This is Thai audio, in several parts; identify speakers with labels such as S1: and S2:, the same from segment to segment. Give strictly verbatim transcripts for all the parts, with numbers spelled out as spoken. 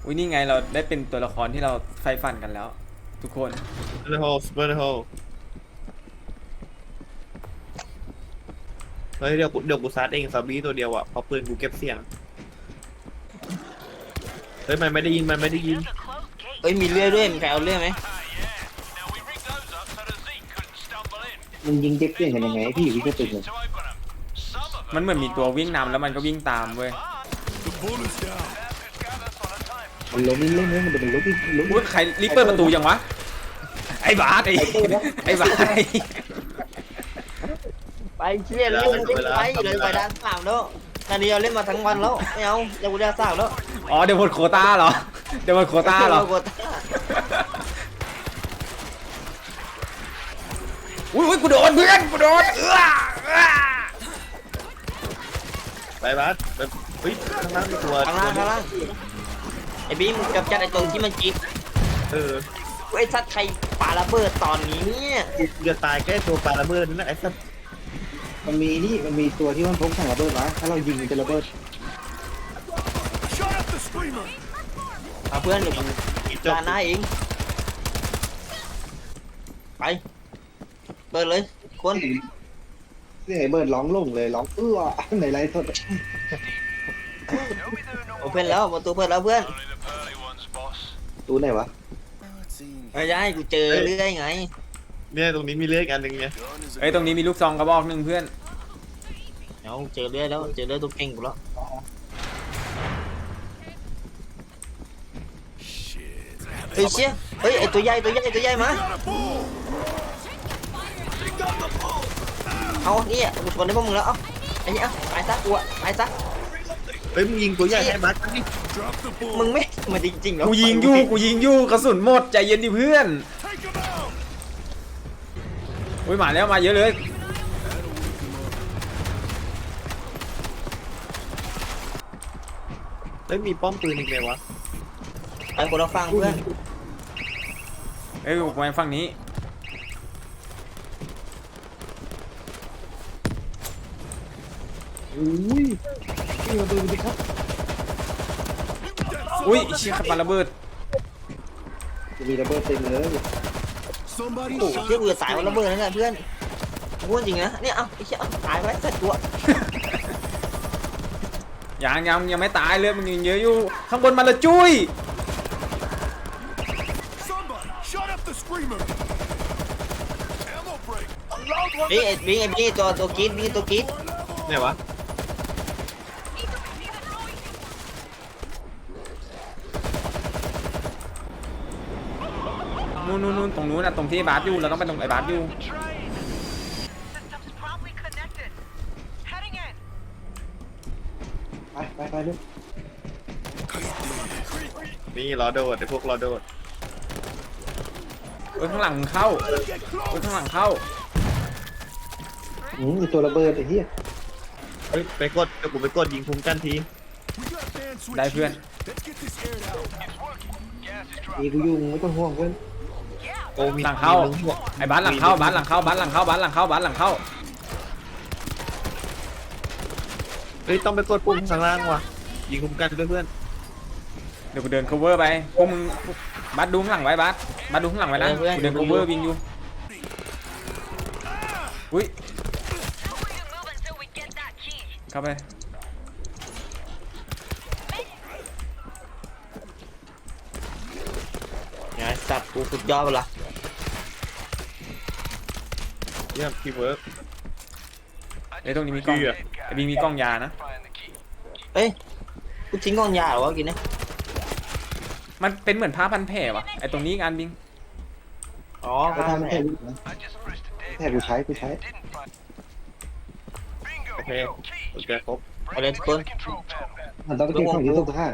S1: อุ้ยนี่ไงเราได้เป็นตัวละครที่เราใฝ่ฝันกันแล้ว ทุกคน
S2: เบอร์โฮสเบอร์โฮเฮ้ยเดี๋ยวกูเดี๋ยวกูซัดเองซอมบี้ตัวเดียวอ่ะเพราะปืนกูเก็บเสียงเฮ้ยมันไม่ได้ยินมันไม่ได้ยิน
S3: เอ้ยมีเลื่อยด้วยมีใครเอาเลื่อยไหม
S4: มึงยิงเจ็บเสียงกันยังไงพี่วิกเตอร์ตึงเลย
S1: มันเหมือนมีตัววิ่งนำแล้วมันก็วิ่งตามเว้ย
S4: มันล้มเล่นๆมันจะเป็นล้มอีกล้ม
S1: อุ้ยใครรีบเปิดประตูยังวะไอ้บาสไอ้ไอ้บาส
S3: ไปเชี่ยเล่นเล่นไปเลยไปด้านสามแล้วตอนนี้เราเล่นมาทั้งวันแล้วไม่เอาจะกูได้สามแล้ว
S1: อ๋อเดี๋ยวหมดโควต้าเหรอเดี๋ยวหมดโควต้าเหรออุ้ยอุ้ยกูโดนเพื่อนกูโดนเอื้อเอื้อ
S2: ไปบัสไปเฮ้ยข้างล่างมีตัว
S3: ข้างล่างข้างล่างไอ้บีมกับจัดไอ้ตรงที่มันจีบ
S2: เออ
S3: ไอ้สัตว์ใครปาระเบิดตอนนี้เนี่ย
S2: กูจะตายแค่ตัวปลาระเบิดนั่นแหละไอ้สัส
S4: มันมีนี่มันมีตัวที่มันพกถังระเบิดมาถ้าเรายิงมันจะระเบิด
S3: เอาเพื่อนเดี๋ยวกู
S2: จบ
S3: จานหน้าเองไปเปิดเลยคน
S4: เสียงไอ้เบิร์ดร้องลงเลยร้องเอื้อในไลฟ์สด
S3: โอเพ่นแล้วประตูเปิดแล้วเพื่อน
S4: ตู้ไหนวะ
S3: ไม่ได้กูเจอเรื่อยไง
S2: เนี่ยตรงนี้มีเลือดอันหนึ่งเนี่ย
S1: เอ้ยตรงนี้มีลูกซองกระบอกหนึ่งเพื่อน
S3: เอาเจอเรื่อยแล้วเจอเรื่อยตัวเก่งกูแล้วเฮ้ยเชี่ยเฮ้ยไอตัวใหญ่ตัวใหญ่ตัวใหญ่มาเอาเนี่ยกูชนได้พวกมึงแล้วเอ้าไอ้เนี่ยตายซะกูอะตายซะ
S2: เฮ้ยมึงยิงตัวใหญ่ให้บัสนี่
S3: มึงไม่มาจริงๆเหรอ
S1: กูยิงยู่กูยิงยู่กระสุนหมดใจเย็นดิเพื่อนอุ้ยมาแล้วมาเยอะเลย
S2: เฮ้ยมีป้อมปืนอีกเลยวะ
S3: ไอ้คนเราฟังเพื่อน
S1: เอ้ยกูไปฝั่งนี้
S4: อุ้ยนี่มาดูดิครับ
S1: อุ้ยเชี่ยขับมาระเบิด
S4: จะมีระเบิดเต็มเลย
S3: โอ้เชี่ยกูจะตายวันระเบิดนั่นแหละเพื่อนพูดจริงนะเนี่ยเอ้าไอ้เชี่ยตายไปสัตว์ตัว
S1: ยังยังยังไม่ตายเลยมันยังเยอะอยู่ข้างบนมันละจุ้ย
S3: เฮ้ยไอ้บีไอ้บีตัวตัวกีดบีตัวกีด
S2: เนี่ยวะ
S1: นู่นนู่นนู่นตรงนู้นนะตรงที่บาสอยู่เราต้องไปตรงไอ้บาสอยู่
S4: ไปไปไปลูก
S2: นี่รอโดดไอ้พวกรอโดด
S1: เอ้ยข้างหลังเข้าเอ้ยข้างหลังเข้า
S4: อืมมีตัวระเบิดไอ้เหี้ย
S2: เฮ้ยไปกดเดี๋ยวกูไปกดยิงคุ้มกันที
S1: ได้เพื่อน
S4: มีกูยุ่งไม่ต้องห่วงเพื่อน
S2: โอ้มี
S1: หลังเข้า
S2: มีมึงพวก
S1: ไอ้บาสหลังเข้าบาสหลังเข้าบาสหลังเข้าบาสหลังเข้าบาสหลังเข้า
S2: เฮ้ยต้องไปกดปุ่มข้างล่างว่ะยิงคุ้มกันด้วยเพื่อน
S1: เดี๋ยวกูเดิน cover ไปพวกมึงบาสดูข้างหลังไว้บาสบาสดูข้างหลังไว้นะกูเดิน cover วิ่งอยู่อุ้ยเข้าไป
S3: ไงสัตว์กูสุดยอดไปละ
S2: เยี่ยมทีมเวิร์ก
S1: เอ้ยตรงนี้มีกล้อง
S2: เชื่อ
S1: ไอ้บีมีกล้องยานะ
S3: เอ้ยกูทิ้งกองยาเหรอวะกินเนี่ย
S1: มันเป็นเหมือนผ้าพันแผลวะไอ้ตรงนี้งานบิง
S3: อ๋อ
S4: ก็ทำแค่ลูกนะแค่กูใช้กูใช้
S2: โอเคโอเคครบ
S3: เอาเลยทุกคน
S4: มันต้องไปเก็บของที่ตู้ผ้า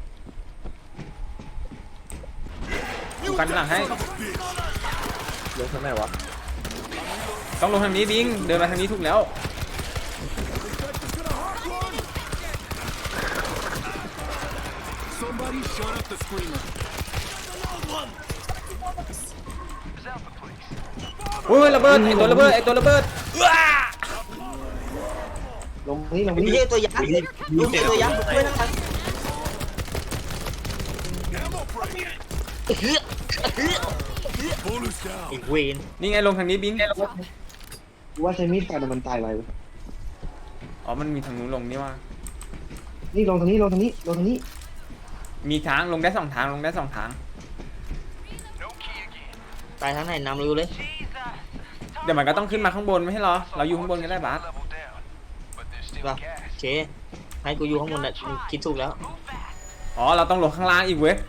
S1: กูกันหลังให้
S2: ลงทางไหนวะ
S1: ต้องลงทางนี้บิงเดินมาทางนี้ถูกแล้ว อุ้ยระเบิดไอตัวระเบิดไอตัวระเบิด
S4: ลงนี่ลง
S3: ไอ้
S4: นี่
S3: เหี้ยตัวยักษ์ลูกเหี้ยตัวยักษ์ช่วยนั่งทันเฮ้ยเฮ้ยอีกเวน
S1: นี่ไงลงทางนี้บิง
S4: ว่าใช้มีดฟันมันตายไวเว้ย
S1: อ๋อมันมีทางนู้นลงนี่ว่า
S4: นี่ลงทางนี้ลงทางนี้ลงทางนี้
S1: มีทางลงได้สองทางลงได้สองทาง
S3: ตายทั้งไหนนำเร็วเลย
S1: เดี๋ยวมันก็ต้องขึ้นมาข้างบนไม่ใช่เหรอเราอยู่ข้างบนกันได้บาส
S3: ป่ะโอเคให้กูอยู่ข้างบนน่ะคิดถูกแล้ว
S1: อ๋อเราต้องลงข้างล่างอีกเว้ย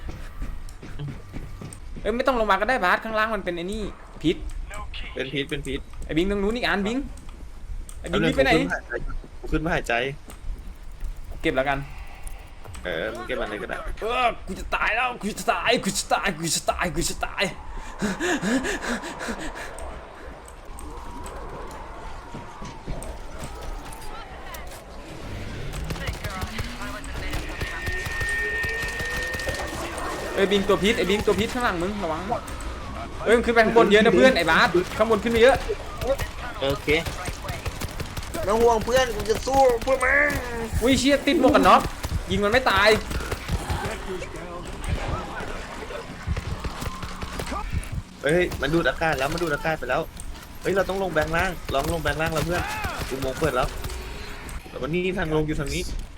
S1: เอ้ยไม่ต้องลงมาก็ได้บาสข้างล่างมันเป็นไอ้นี่พิษ
S2: เป็นพิษเป็นพิษ
S1: ไอ้บิงตรงนู้นอีกอันบิงไอ้บิงนี่ไปไหน
S2: กูขึ้นมาหายใจ
S1: เก็บแล้วกัน
S2: เออมึงเก็บมันเลยก็ได้
S1: เออกูจะตายแล้วกูจะตายกูจะตายกูจะตายกูจะตายเอ้ยบิงตัวพิษไอ้บิงตัวพิษข้างหลังมึงระวังเอ้ยมันขึ้นไปข้างบนเยอะนะเพื่อนไอ้บาสข้างบนขึ้นไปเยอะ
S3: โอเคไม่ต้องห่วงเพื่อนกูจะสู้เพื่อมึง
S1: อุ้ยเชี่ยติดหมวกกันน็อกยิงมันไม่ตาย
S2: เฮ้ยมันดูดอากาศแล้วมันดูดอากาศไปแล้วเฮ้ยเราต้องลงแบงล่างลองลงแบงล่างแล้วเพื่อนกูมองเปิดแล้วแต่วันนี้ทางลงอยู่ทางนี้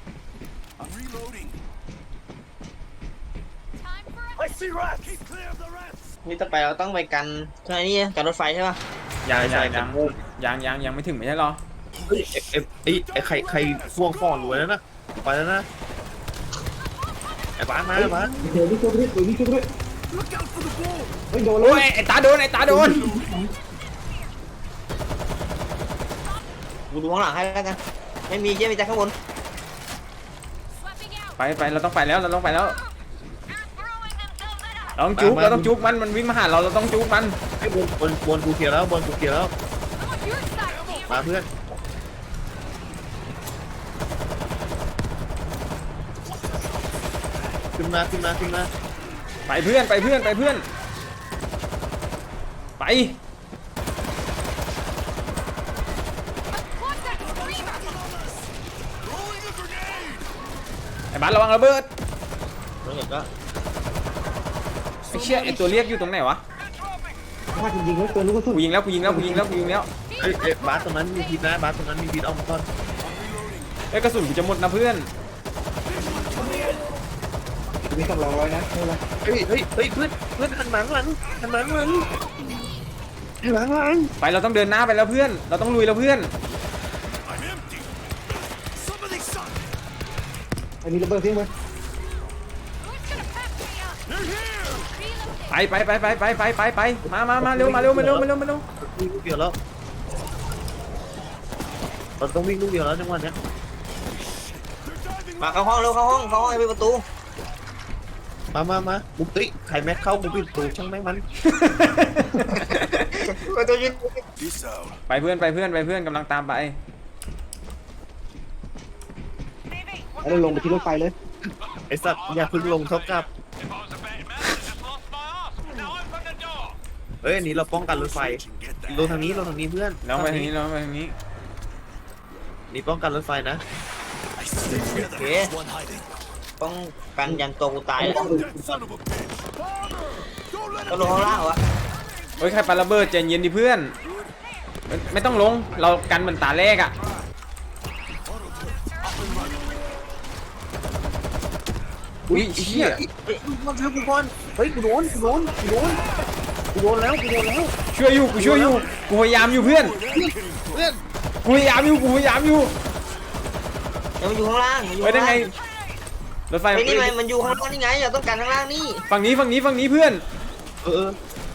S3: นี่ต่อไปเราต้องไปกันใช่นี่กันรถไฟใช่ป่ะ
S1: ยัง
S2: ใช่
S1: ยัง
S2: ใช่
S1: ยังยังยังยังไม่ถึงไม่ใช่หรอ
S2: เฮ้ยเอ้ไอ้ไอ้ใครใครพ่วงข้อรวยแล้วนะไปแล้วนะไอ้บ้านมาไอ้บ้าน
S4: เดี๋ยวนี่ช่วยไปด้วยเดี๋ยวนี่ช่วยไปด้วยเฮ้ยโดนเล
S1: โอ้ย
S4: ย
S1: ไอ้ตาโดนไอ้ตาโดน
S3: กูดูข้างหลังให้แล้วกันไม่มีเย้มีแต่ข้างบน
S1: ไปไปเราต้องไปแล้วเราต้องไปแล้วเราต้องจุกเราต้องจุกมันมันวิ่งมาหาเราเราต้องจุกมัน
S2: ไอ้บนบนบนกูเคลียร์แล้วบนกูเคลียร์แล้วมาเพื่อนขึ้นมาขึ้นมาขึ้นมา
S1: ไปเพื่อนไปเพื่อนไปเพื่อนไปไอ้บ้านระวังระเบิด
S3: แล้วเดี๋ยวก็
S1: ไอ้เชี่ยไอ้ตัวเรียกอยู่ตรงไหนวะ
S4: พลาดจริงๆแล้วตัวลูกกระสุน
S1: กูยิงแล้วกูยิงแล้วกูยิงแล้วกูยิงแล้ว
S2: ไอ้ไอ้บาสตรงนั้นมีพิษนะบาสตรงนั้นมีพิษเอามาก่อน
S1: ไอ้กระสุนกูจะหมดนะเพื่อน
S4: มีสำรองไว้นะไม่เป็นไร
S2: เฮ้ยเฮ้ยเฮ้ยเพื่อนเพื่อนหันหลังหลังหันหลังหลังหันหลังหลัง
S1: ไปเราต้องเดินหน้าไปแล้วเพื่อนเราต้องลุยแล้วเพื่อน
S4: ไอ้มีระเบิดเพียงไหม
S1: ไปไปไปไปไปไปไปไปมามามาเร็วมาเร็วมาเร็วมาเร็วมาเร็ว
S2: วิ่งลูกเดียวแล้วเราต้องวิ่งลูกเดียวแล้วจังหวะเนี้ย
S3: มาเข้าห้องเร็วเข้าห้องเข้าห้องให้ไปประตู
S2: มามามาบุกติใครแม็กเข้ากูปิดประตูช่างแม่งมัน
S3: ประตูยิง
S1: ไปเพื่อนไปเพื่อนไปเพื่อนกำลังตามไป
S4: แล้วเราลงไปที่รถไฟเลย
S2: ไอ้สัตว์อย่าเพึ่งลงเท่ากับเฮ้ยอันนี้เราป้องกันรถไฟลงทางนี้ลงทางนี้เพื่อน
S1: แล้วไปทางนี้แล้วไปทางนี้
S2: นี่ป้องกันรถไฟนะ
S3: โอเคต้องกันยันตัวกูตายแล้วก็ลงข้างล่างเหรอวะ
S1: เฮ้ยใครปาระเบิดใจเย็นดิเพื่อนไม่ไม่ต้องลงเรากันเหมือนตาแรกอ่ะอุ้ยเชี่ย
S2: เฮ้ยมันเชื่อกูก่อนเฮ้ยกูโดนกูโดนกูโดนกูโดนแล้วกูโดนแล้ว
S1: ช่วยอยู่กูช่วยอยู่กูพยายามอยู่เพื่อน
S2: เพื่อน
S1: กูพยายามอยู่กูพยายามอยู่
S3: เดี๋ยวมันอยู่ข้างล่างมันอยู่
S1: ไปได้
S3: ข้าง
S1: ไง
S3: ล่าง
S1: รถไฟ
S3: ไอ้นี่ไงมันอยู่ข้างล่างนี่ไงอย่าต้องการข้างล่างนี่
S1: ฝั่งนี้ฝั่งนี้ฝั่งนี้เพื่อน
S2: เออ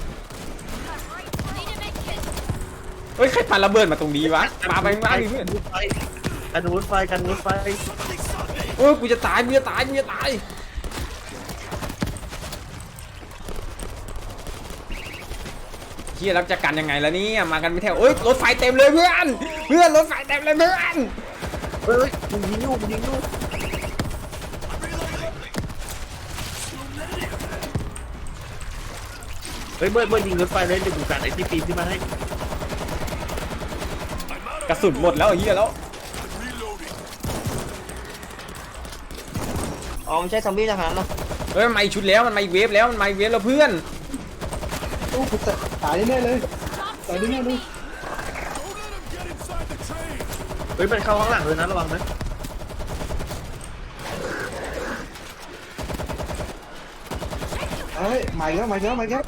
S1: เฮ้ยใครปาระเบิดมาตรงนี้วะปาไปข้างล่างดิเพื่อน
S2: รถไฟกันรถไฟกันรถไฟ
S1: โอ้ยกูจะตายกูจะตายกูจะตายเฮียรับจะกันยังไงล่ะเนี่ยมากันไม่แถวเอ้ยรถไฟเต็มเลยเพื่อนเพื่อนรถไฟเต็มเลยเพื่อน
S2: เฮ้ยมึงยิงลูกมึงยิงลูกเฮ้ยเบิร์ดเบิร์ดยิงรถไฟเลยเดี๋ยวกูการไอ้ที่ปีนขึ้นมาให้
S1: กระสุนหมดแล้วไอ้เฮียแล้ว
S3: อ๋อมันใช้ซอมบี้ทหารนะ
S1: เฮ้ยมันมาอีกชุดแล้วมันมาอีกเวฟแล้วมันมาอีกเวฟแล้วเพื่อน
S4: โอ้กูตายแน่เลยตายแน่เลย
S2: เฮ้ยมันเข้าข้างหลังเลยนะระวังนะ
S4: เฮ้ยมาอีกแล้วมาอีกแล้วมาอีกแล้ว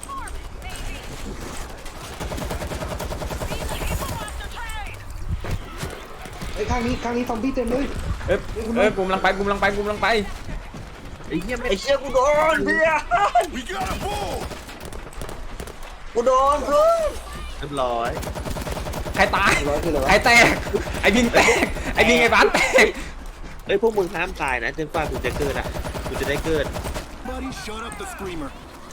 S4: ไอ้ข้างนี้ข้างนี้ซอมบี้เต็มเลย
S1: เอ้ยเอ้ยกูกำลังไปกูกำลังไปกูกำลังไป
S2: ไอ้เหี้ยไม่
S3: ไอ้เชี่ยกูโดนเพื่อนกูโดนเพื่อน
S2: เรียบร้อย
S1: ใครตาย
S4: ร้อยคืออะไร
S1: ใคร
S4: วะ
S1: แตกไอ้บินแตกไอ้บินไอ้บ้านแตก
S2: เอ้ยพวกมึงห้ามตายนะจนกว่ากูจะเกิดอ่ะกูจะได้เกิด
S5: Buddy, shut up the screamer.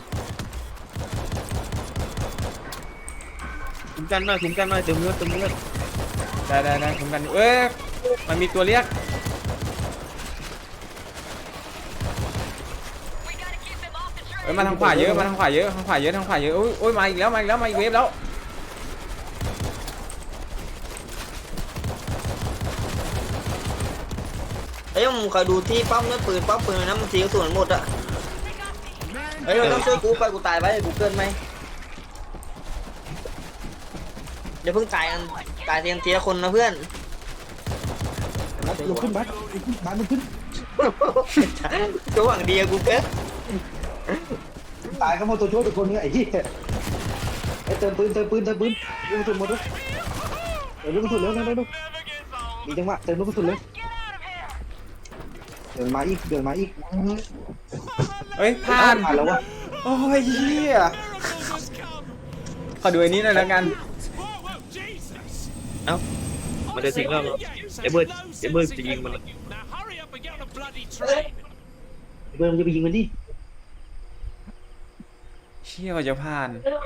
S2: คุ้มกันหน่อยคุ้มกันหน่อยเติมเลือดเติมเลือด
S1: ได้ได้ได้คุ้มกันอยู่เอ้ยมันมีตัวเรียกเอ้ยมาทางขวาเยอะมาทางขวาเยอะทางขวาเยอะทางขวาเยอะโอ้ยโอ้ยมาอีกแล้วมาอีกแล้วมาอีกเวฟแล้ว
S3: เอ้ยมึงคอยดูที่ป้อมเนี่ยปืนป้อมปืนนะมันสีกระสุนหมดอะเฮ้ยต้องช่วยกูไปกูตายไปกูเกินไหมเดี๋ยวเพิ่งตายกันตายเทียมทีละคนนะเพื่อน
S4: บัสลุกขึ้นบัสลุกขึ้นบัสลุกขึ้น
S3: ตัวหวังดีอะกูเกิน
S4: ตายก็หมดตัวช่วยทุกคนเนี่ยไอ้เหี้ยไอ้เติมปืนเติมปืนเติมปืนลูกกระสุนหมดเลยเติมลูกกระสุนเร็วเร็วเร็วมีจังหวะเติมลูกกระสุนเร็วเดินมาอีกเดินมาอีก
S1: เฮ้ยผ่าน
S4: ผ่านแล้ววะ
S1: โอ้ยเหี้ยขอดูไอ้นี้หน่อยแล้วกัน
S2: เอ้ามันจะทิ้งเราเหรอไอ้เบิร์ดไอ้เบิร์ดจะยิงมันเหรอ
S4: เบิร์ดมันจะไปยิงมันดิ
S1: เชี่ยว่าจะผ่าน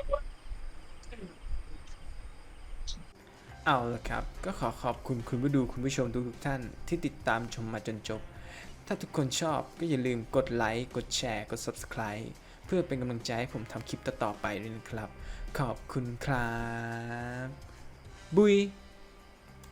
S1: เอาละครับ ก็ขอขอบคุณคุณผู้ดูคุณผู้ชมทุกๆท่านที่ติดตามชมมาจนจบ ถ้าทุกคนชอบก็อย่าลืมกดไลค์ กดแชร์ กด ซับสไครบ์ เพื่อเป็นกำลังใจให้ผมทำคลิปต่อๆไปด้วยนะครับ ขอบคุณครับ บุย